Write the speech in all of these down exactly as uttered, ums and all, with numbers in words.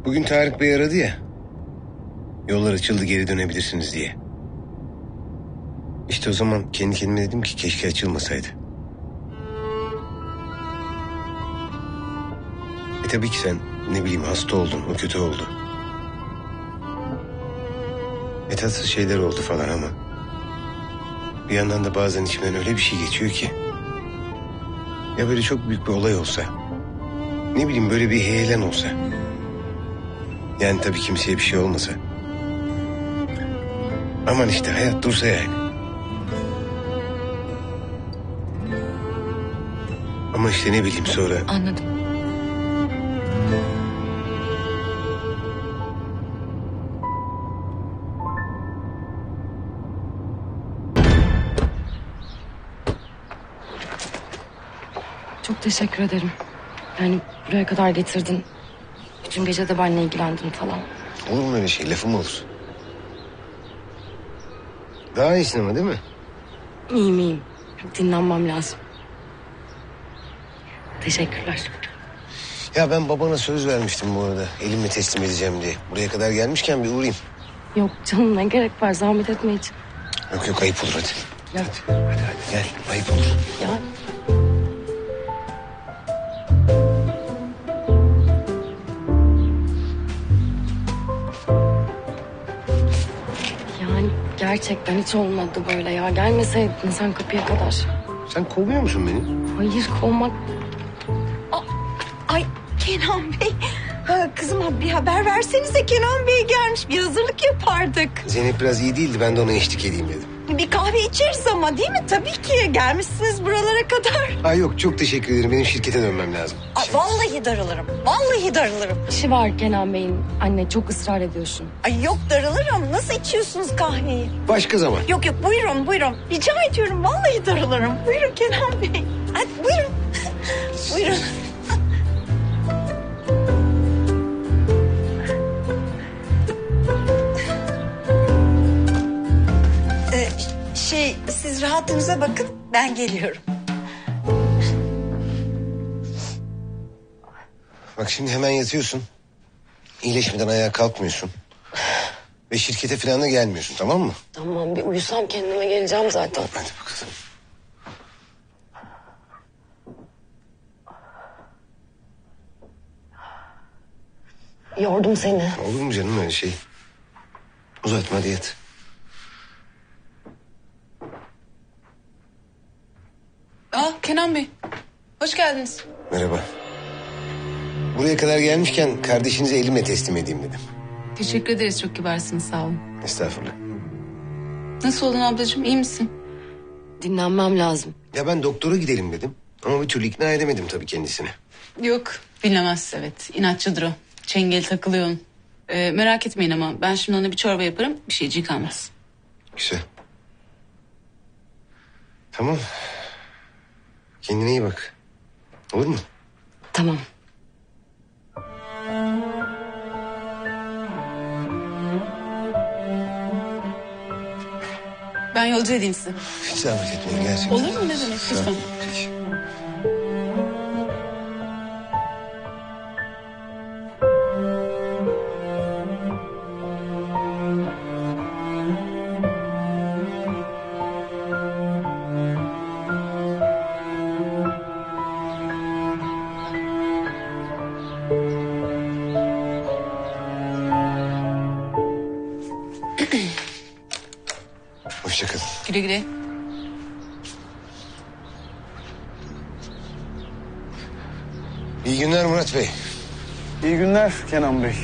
Bugün Tarık Bey aradı ya. Yollar açıldı, geri dönebilirsiniz diye. İşte o zaman kendi kendime dedim ki keşke açılmasaydı. E tabii ki sen ne bileyim hasta oldun, o kötü oldu. E tatsız şeyler oldu falan ama... bir yandan da bazen içimden öyle bir şey geçiyor ki... ya böyle çok büyük bir olay olsa... ne bileyim böyle bir heyelan olsa... yani tabii kimseye bir şey olmasa... aman işte hayat dursa yani. Ama işte ne bileyim sonra... Anladım. Çok teşekkür ederim. Yani buraya kadar getirdin. Bütün gece de benimle ilgilendin falan. Olur mu öyle şey? Lafım olur. Daha iyisin ama değil mi? İyiyim iyiyim. Dinlenmem lazım. Teşekkürler. Ya ben babana söz vermiştim bu arada. Elimle teslim edeceğim diye. Buraya kadar gelmişken bir uğrayayım. Yok canım, ne gerek var, zahmet etme hiç. Yok yok, ayıp olur hadi. Ya. Hadi hadi hadi gel, ayıp olur. Ya. Yani gerçekten hiç olmadı böyle ya. Gelmeseydin sen kapıya kadar. Sen kovuyor musun beni? Hayır, kovmak... Ay Kenan Bey. Ha, kızıma bir haber versenize, Kenan Bey gelmiş. Bir hazırlık yapardık. Zeynep biraz iyi değildi, ben de ona eşlik edeyim dedim. Bir kahve içeriz ama, değil mi? Tabii ki. Gelmişsiniz buralara kadar. Ay yok, çok teşekkür ederim. Benim şirkete dönmem lazım. Aa, vallahi darılırım. Vallahi darılırım. İşi var Kenan Bey'in. Anne çok ısrar ediyorsun. Ay yok, darılırım. Nasıl içiyorsunuz kahveyi? Başka zaman. Yok yok, buyurun buyurun. Rica ediyorum, vallahi darılırım. Buyurun Kenan Bey. Hadi buyurun. Buyurun. Ee, şey, siz rahatınıza bakın. Ben geliyorum. Bak şimdi hemen yatıyorsun. İyileşmeden ayağa kalkmıyorsun. Ve şirkete falan da gelmiyorsun, tamam mı? Tamam, bir uyusam kendime geleceğim zaten. Hadi bakalım. Yordum seni. Olur mu canım öyle şey? Uzatma, hadi yat. Aa Kenan Bey, hoş geldiniz. Merhaba. Buraya kadar gelmişken kardeşinizi elimle teslim edeyim dedim. Teşekkür ederiz, çok kibarsınız, sağ olun. Estağfurullah. Nasıl oldun ablacığım, iyi misin? Dinlenmem lazım. Ya ben doktora gidelim dedim. Ama bir türlü ikna edemedim tabii kendisini. Yok, dinlemez, evet. İnatçıdır o. Çengel takılıyor onun. Ee, merak etmeyin ama ben şimdi ona bir çorba yaparım, bir şeyciği kalmaz. Güzel. Tamam. Kendine iyi bak. Olur mu? Tamam. Ben yolcu edeyim sizi. Hiç zahmet etmeyin gerçekten. Olur mu, ne demek, Sağ ol. lütfen. Peki. Hoşça kalın. Güle güle. İyi günler Murat Bey. İyi günler Kenan Bey.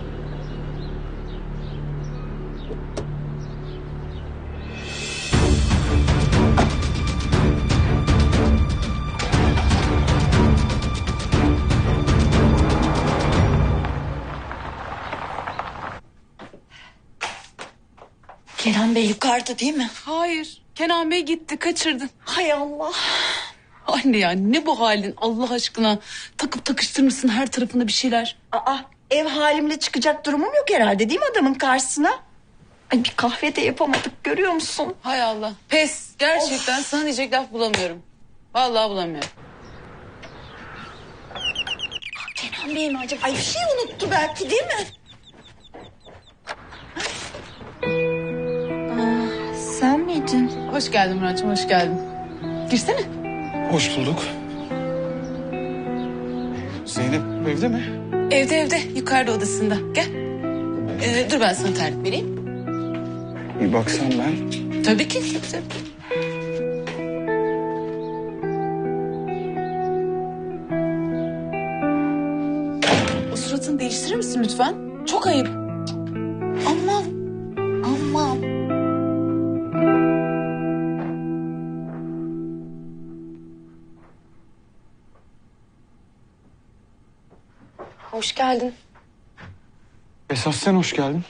Kenan Bey yukarıda değil mi? Hayır, Kenan Bey gitti, kaçırdın. Hay Allah. Anne ya, ne bu halin Allah aşkına? Takıp takıştırmışsın her tarafında bir şeyler. Aa, ev halimle çıkacak durumum yok herhalde, değil mi adamın karşısına? Ay, bir kahve de yapamadık, görüyor musun? Hay Allah, pes. Gerçekten sana diyecek laf bulamıyorum. Vallahi bulamıyorum. Kenan Kenan Bey mi acaba? Ay bir şey unuttu belki değil mi? Aa, sen miydin? Hoş geldin Murat'cığım, hoş geldin. Girsene. Hoş bulduk. Zeynep evde mi? Evde evde, yukarıda odasında. Gel. Ee, dur ben sana tarif vereyim. Bir baksam ben. Tabii ki. Tabii. O suratını değiştirir misin lütfen? Çok ayıp. Aman. Aman. Hoş geldin. Esas sen hoş geldin.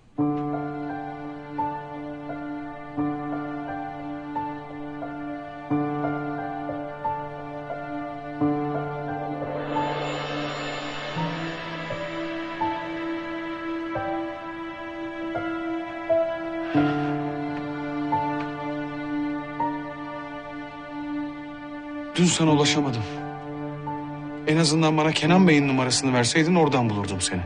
Dün sana ulaşamadım. En azından bana Kenan Bey'in numarasını verseydin oradan bulurdum seni.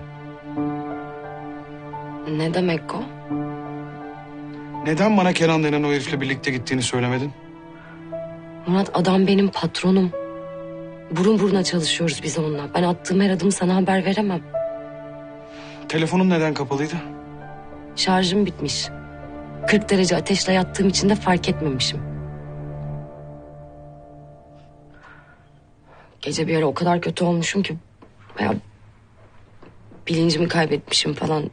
Ne demek o? Neden bana Kenan denen o herifle birlikte gittiğini söylemedin? Murat, adam benim patronum. Burun buruna çalışıyoruz biz onunla. Ben attığım her adımı sana haber veremem. Telefonun neden kapalıydı? Şarjım bitmiş. kırk derece ateşle yattığım için de fark etmemişim. Gece bir ara o kadar kötü olmuşum ki... ...ya bilincimi kaybetmişim falan.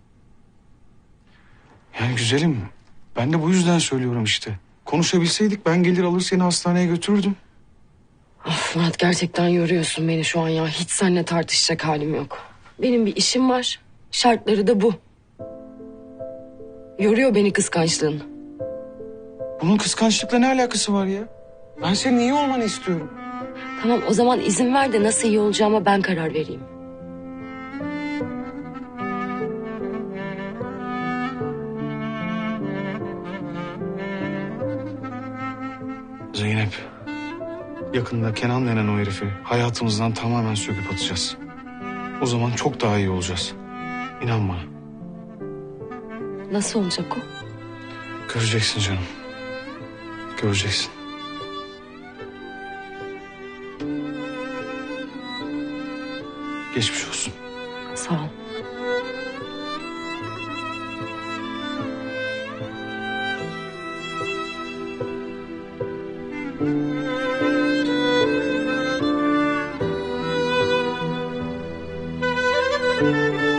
Yani güzelim, ben de bu yüzden söylüyorum işte. Konuşabilseydik ben gelir alır seni hastaneye götürürdüm. Of Murat, gerçekten yoruyorsun beni şu an ya. Hiç seninle tartışacak halim yok. Benim bir işim var. Şartları da bu. Yoruyor beni kıskançlığın. Bunun kıskançlıkla ne alakası var ya? Ben senin iyi olmanı istiyorum. Tamam, o zaman izin ver de nasıl iyi olacağıma ben karar vereyim. Zeynep, yakında Kenan denen o herifi hayatımızdan tamamen söküp atacağız. O zaman çok daha iyi olacağız. İnan bana. Nasıl olacak o? Göreceksin canım. Göreceksin. Geçmiş olsun. Sağ ol. Thank you.